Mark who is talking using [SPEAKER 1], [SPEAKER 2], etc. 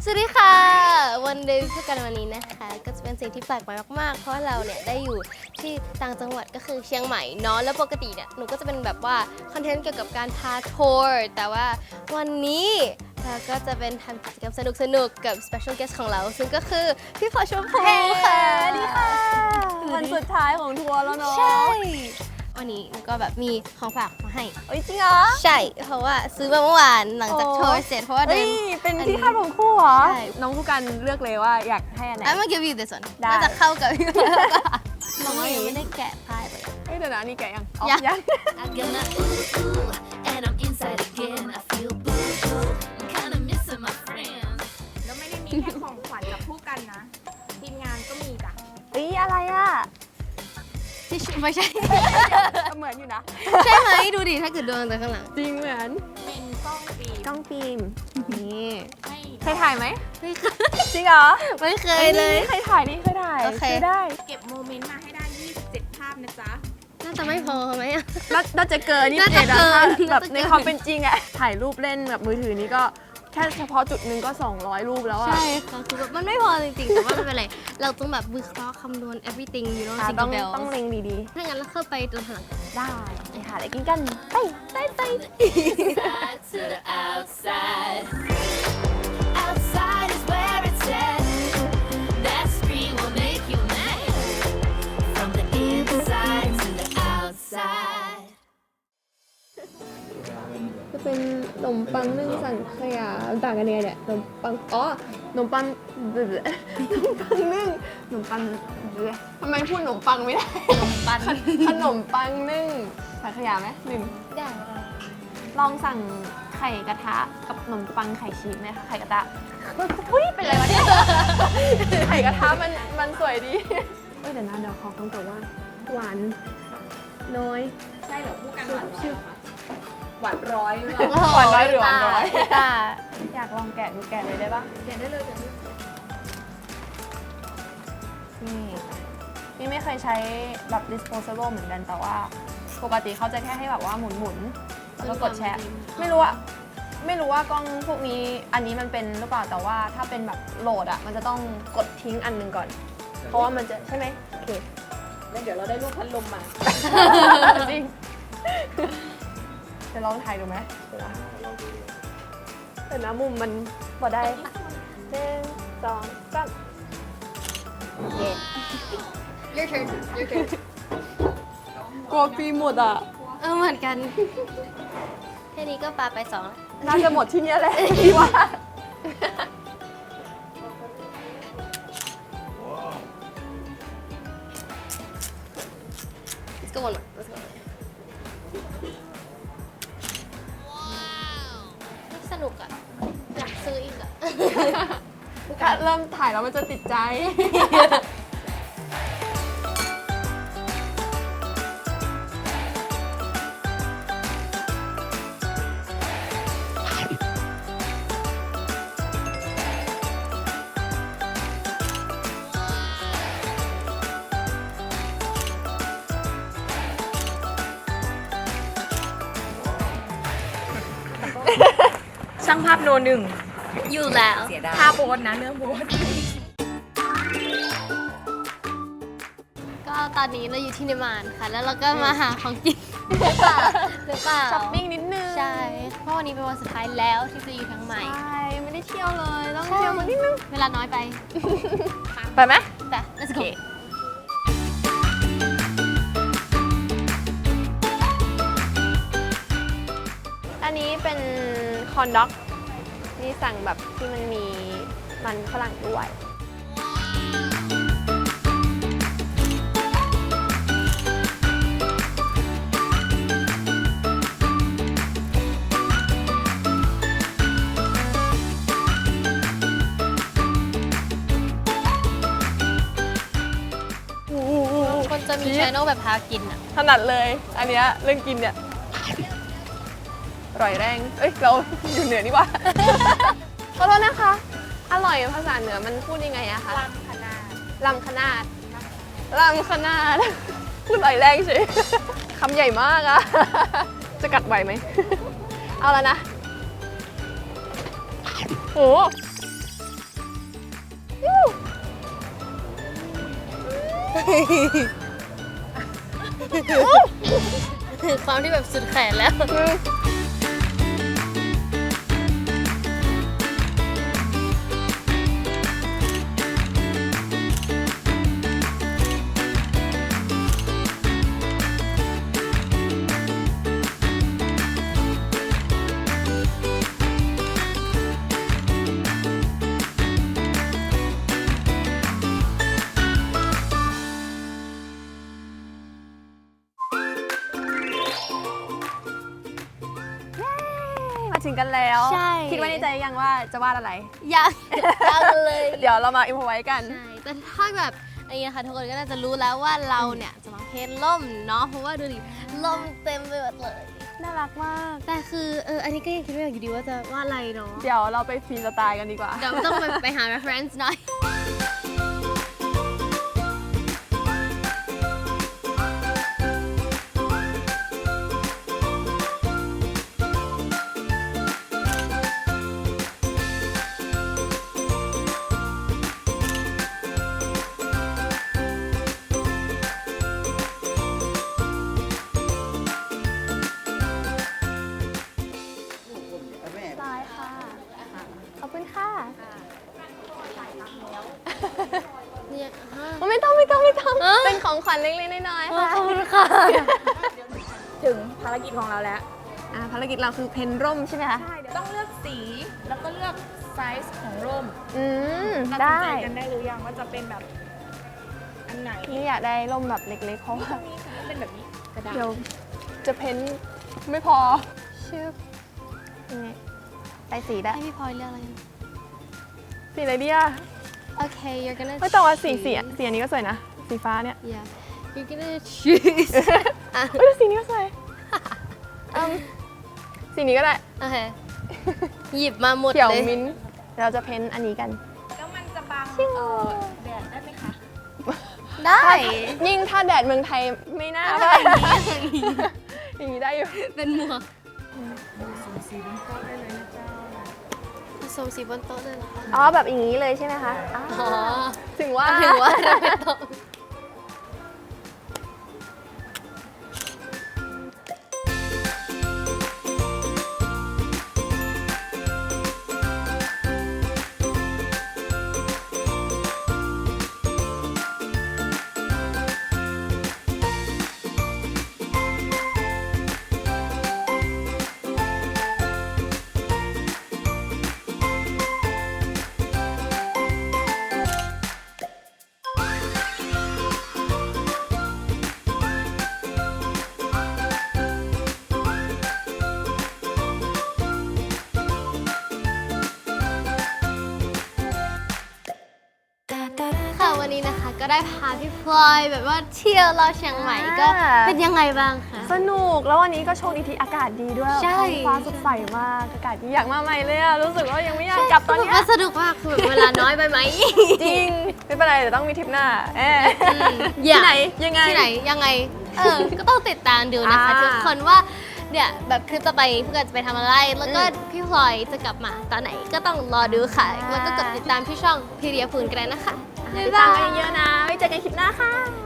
[SPEAKER 1] สวัสดีค่ะวันเดย์พูดกันวันนี้นะคะก็จะเป็นสิ่งที่แปลกใหม่มากๆเพราะว่าเราเนี่ยได้อยู่ที่ต่างจังหวัดก็คือเชียงใหม่เนาะแล้วปกติเนี่ยหนูก็จะเป็นแบบว่าคอนเทนต์เกี่ยวกับการพาทัวร์แต่ว่าวันนี้เราก็จะเป็นทำกิจกรรมสนุกๆกับ special guest ของเราซึ่งก็คือพี่พอชมพูค่ะ
[SPEAKER 2] สวัสดีค่ะวันสุดท้ายของทัวร์แล้วเนาะ
[SPEAKER 1] ใช่วันนี้หนูก็แบบมีของฝากมาให้
[SPEAKER 2] เอ้ยจริงเหรอ
[SPEAKER 1] ใช่เพราะว่าซื้อมาเมื่อวานหลังจากทัวร์เสร็จเพราะว่าเดิ
[SPEAKER 2] เฮ้
[SPEAKER 1] น
[SPEAKER 2] ยเป็นที่คาดผมคู่เหรอ
[SPEAKER 1] ใช่
[SPEAKER 2] น้องผู้กันเลือกเลยว่าอยากให้อันไหน
[SPEAKER 1] I'm gonna give you this one
[SPEAKER 2] ได้
[SPEAKER 1] น่าจะเข้ากับพี่ว่าน้อง
[SPEAKER 2] น้องหมี
[SPEAKER 1] ยังไม่ได้แกะพายเลย
[SPEAKER 2] เอ้ยเดี๋ยวนะนี่แกะยัง
[SPEAKER 1] ยัง
[SPEAKER 2] ยัง
[SPEAKER 3] I got my ooh, and I'm inside again. I feel boo boo. I'm kinda missing my friends.
[SPEAKER 4] แล้วไม่ได้มีแค่ของขวัญจากผู้กันนะ ทีมงานก็มีจ้ะ
[SPEAKER 2] เอ้ยอะไรอ่ะ
[SPEAKER 1] ที่ชุไม่ใช่
[SPEAKER 2] เหมือนอยู่นะ
[SPEAKER 1] ใช่ไหมดูดิถ้าเกิดดวงแต่ข้างหลัง
[SPEAKER 2] จริงเหมือน
[SPEAKER 4] เป็นกล้องฟิล์ม
[SPEAKER 2] กล้องฟิล์มนี่
[SPEAKER 4] ให้
[SPEAKER 2] เคยถ่ายไหม
[SPEAKER 1] ไม่เคย
[SPEAKER 2] จริงเหรอ
[SPEAKER 1] ไม่เคยเลย
[SPEAKER 2] นี่เคยถ่ายนี่เคยถ่าย
[SPEAKER 1] โอเค
[SPEAKER 2] ซื้อได้
[SPEAKER 4] เก็บโมเมนต์มาให้ได้ 27 ภาพนะจ๊ะ
[SPEAKER 1] น่าจะไม่พอไหมอะ
[SPEAKER 2] น่าจะเกินนี่
[SPEAKER 1] น่าจะเกิน
[SPEAKER 2] แบบ
[SPEAKER 1] น่าจะเกิน
[SPEAKER 2] ในความเป็นจริงอะถ่ายรูปเล่นแบบมือถือนี่ก็แค่เฉพาะจุดหนึ่งก็200รูปแล้วอะ
[SPEAKER 1] ใช่ค่ะคือแบบมันไม่พอจริงๆ แต่ว่าไม่เป็นไร เราต้องแบบวิเคราะห์คำนวณ everything you know
[SPEAKER 2] ค่ะ
[SPEAKER 1] single
[SPEAKER 2] ต้อง
[SPEAKER 1] bell
[SPEAKER 2] เล็งดี
[SPEAKER 1] ถ้างั้นเราเข้าไปตรงหลัง
[SPEAKER 2] ๆ ได้ไปหาอะไรกินกัน ไป
[SPEAKER 3] Side to the outside. Outside is where it's at. That screen will make you mad. From the inside to the outside.
[SPEAKER 2] จะเป็นขนมปังนึ่งสังขยาต่างกันยังไงเนี่ยขนมปังอ๋อขนมปังขนมปังนึ่งขนมปังทำไมพูดขนมปังไม่ได้
[SPEAKER 1] ปัน
[SPEAKER 2] ขนมปังนึ่งสังขยาไหมหนึ่ง
[SPEAKER 1] ได้
[SPEAKER 2] ลองสั่งไข่กระทะกับขนมปังไข่ชีสไหมคะไข่กระทะอุ้ยเป็นไรวะเนี่ยไข่กระทะมันสวยดีเอ้ยเดี๋ยวนะเดี๋ยวขอคำตอบว่าหวานน้อย
[SPEAKER 4] ใช่เหรอผู้กันหวานน้อยเหรอคะหวานร้อยหรือเป
[SPEAKER 1] โอ้
[SPEAKER 4] ล่า
[SPEAKER 1] โ
[SPEAKER 2] หวานน้อยหรือหวานน้อย
[SPEAKER 1] ตา
[SPEAKER 2] อยากลองแกะดูแกะเลยได้ปะ
[SPEAKER 4] เขียนได้เลยเดี๋ยวนี้
[SPEAKER 2] นี่ไม่เคยใช้แบบ disposable เหมือนกันแต่ว่าปกติเขาจะแค่ให้แบบว่าหมุนๆแล้วก็กดแชร์ไม่รู้ว่ากล้องพวกนี้อันนี้มันเป็นหรือเปล่าแต่ว่าถ้าเป็นแบบโหลดอ่ะมันจะต้องกดทิ้งอันหนึ่งก่อน เพราะว่ามันจะใช่ไหมโอเค
[SPEAKER 4] แล้วเดี๋ยวเราได้รูปพัดลมมา
[SPEAKER 2] จริงจะลองถ่ายดูไหมแต่นะมุมมันพอได้1 2 3
[SPEAKER 1] Your turn Your turn
[SPEAKER 2] กลัวฟิล์มหมดอ่ะ
[SPEAKER 1] เหมือนกัน แค่นี้ก็ปาไป2แล้ว
[SPEAKER 2] น่าจะหมดที่เนี้ยแหละพี่ว่า
[SPEAKER 1] Let's go one more Let's go สนุกอ่ะ อยากซื้ออีกอ่ะ
[SPEAKER 2] ถ้าเริ่มถ่ายแล้วมันจะติดใจ
[SPEAKER 4] ช่างภาพโนหนึ่ง
[SPEAKER 1] อยู่แล้ว
[SPEAKER 4] ท่าโบนนะเรื่องโบน
[SPEAKER 1] ก็ตอนนี้เราอยู่ที่นิมานค่ะ แล้วเราก็มาหาของกินหรือเปล่า
[SPEAKER 2] ช้อปปิ้งนิดนึง
[SPEAKER 1] ใช่ เพราะวันนี้เป็นวันสุดท้ายแล้วที่จะอยู่ทั้งใหม่
[SPEAKER 2] ใช่ไม่ได้เที่ยวเลย ต้องเที่ยวมานิดนึง
[SPEAKER 1] เวลาน้อยไป
[SPEAKER 2] ไปไหม
[SPEAKER 1] แต่ let's go
[SPEAKER 2] อันนี้เป็นคอนด็อกนี่สั่งแบบที่มันมีมันฝรั่งด้วย
[SPEAKER 1] คนจะมีชแนลแบบพากินอ่ะ
[SPEAKER 2] ถนัดเลย อันเนี้ยเรื่องกินเนี่ยอร่อยแรง เอ้ย เราอยู่เหนือนี่หว่า ขอโทษนะคะ อร่อยภาษาเหนือมันพูดยังไงอะคะ
[SPEAKER 4] ลำขนาด
[SPEAKER 2] ลำขนาดลำขนาด พูดอร่อยแรงเฉย คำใหญ่มากอะ จะกัดไหวไหม เอาแล้วนะโห
[SPEAKER 1] ความที่แบบสุดแขนแล้ว
[SPEAKER 2] มาถึงกันแล้ว
[SPEAKER 1] ใช่
[SPEAKER 2] คิดว่าในใจยังว่าจะวาดอะไร
[SPEAKER 1] ยังเลย
[SPEAKER 2] เดี๋ยวเรามาอิมพอไว้กัน
[SPEAKER 1] ใช่ แต่ถ้าแบบอันนี้นะคะทุกคนก็น่าจะรู้แล้วว่าเราเนี่ยจะมาเพ้นท์ร่มเนาะ เพราะว่าดูดิร่มเต็มไปหมดเลย
[SPEAKER 2] น่ารักมาก
[SPEAKER 1] แต่คืออันนี้ก็ยังคิดไม่ออกอยู่ดีว่าจะวาดอะไรเนาะ
[SPEAKER 2] เดี๋ยวเราไปฟรีสไตล์กันดีกว่า
[SPEAKER 1] เดี๋ยวต้องไปหา reference หน่อย
[SPEAKER 2] ได้ค่ะ ขอบคุณค่ะ
[SPEAKER 1] เนี่ยฮะ
[SPEAKER 2] ไม่ต้อง
[SPEAKER 1] อ้าว
[SPEAKER 2] เป็นของขวัญเล็กๆน้อยๆค่ะ
[SPEAKER 1] ขอบคุณค่ะ
[SPEAKER 4] ถึงภารกิจของเราแล้ว
[SPEAKER 2] ภารกิจเราคือเพนร่มใช่ไหมคะ
[SPEAKER 4] ใช่ เดี๋ยวต้องเลือกสี แล้วก็เลือกไซส์ของร่ม ตัดสิน
[SPEAKER 2] ได้
[SPEAKER 4] ใจกันได้หรือยังว่าจะเป็นแบบอันไหน
[SPEAKER 2] นี่อยากได้ร่มแบบเล็กๆ เพราะว่า
[SPEAKER 4] นี่สมมติเป็นแบบนี้กระดาษ
[SPEAKER 2] เดี๋ยวจะเพ้นไม่พอ
[SPEAKER 1] ชื่อ
[SPEAKER 2] นี่ใส่สีได้
[SPEAKER 1] ให้พี่พลอยเลือกอะไร
[SPEAKER 2] สีอะไรดีอ่ะ
[SPEAKER 1] โอเค you're gonna
[SPEAKER 2] ไม่แต่ว่าสี
[SPEAKER 1] choose
[SPEAKER 2] สีอันนี้ก็สวยนะ สีฟ้าเนี่ย
[SPEAKER 1] yeah you're gonna choose อ่ะ
[SPEAKER 2] เอ้ยสีนี้ก็สวยสีนี้ก็ได้
[SPEAKER 1] โอเค หยิบมาหมด
[SPEAKER 2] เขียว
[SPEAKER 1] เลย
[SPEAKER 2] มิ้นท์เดี๋ยวเราจะเพ้นอันนี้กัน
[SPEAKER 4] แล้วมันจะบังแดดได้ไหมคะ
[SPEAKER 1] ได้
[SPEAKER 2] ยิ่งถ้าแดดเมืองไทยไม่น่า
[SPEAKER 1] อะ
[SPEAKER 2] ได้
[SPEAKER 1] ไร
[SPEAKER 2] อย่างนี้ได้อยู่
[SPEAKER 1] เป็นหมวกผสมสีบนโต๊ะเลยเหรอคะ
[SPEAKER 2] อ๋อแบบอย่างนี้เลยใช่ไหมคะอ๋อ
[SPEAKER 1] อ๋อ
[SPEAKER 2] ถึงว่า
[SPEAKER 1] ถึงว่าเราไม่ต้อง ค่ะวันนี้นะคะก็ได้พาพี่พลอยแบบว่าเที่ยวรอบเชียงใหม่ก็เป็นยังไงบ้างคะ
[SPEAKER 2] สนุกแล้ววันนี้ก็โชคดีที่อากาศดีด้วย
[SPEAKER 1] ใช่
[SPEAKER 2] ท้องฟ้าสดใสมากอากาศดีอยากมาใหม่เลยอะรู้สึกว่ายังไม่อยากกลับตอนเนี้ย
[SPEAKER 1] ว่าสนุกมากคือแบบเวลาน้อยไปไหม
[SPEAKER 2] จริงไม่เป็นไรเดี๋ยวต้องมีทริปหน้า
[SPEAKER 1] อยาก
[SPEAKER 2] ที่ไหนยังไง
[SPEAKER 1] ที่ไหนยังไงก็ต้องติดตามดูนะคะ
[SPEAKER 2] อ่า
[SPEAKER 1] ทุกคนว่าเนี่ยแบบคลิปต่อไปพวกเราจะไปทำอะไร แล้วก็พี่พลอยจะกลับมาตอนไหนก็ต้องรอดูค่ะ แล้วก็กดติดตามที่ช่องพีเรียพูนกันได้นะคะ
[SPEAKER 2] ติดตามกันเยอะๆนะไว้เจอกันคลิปหน้าค่ะ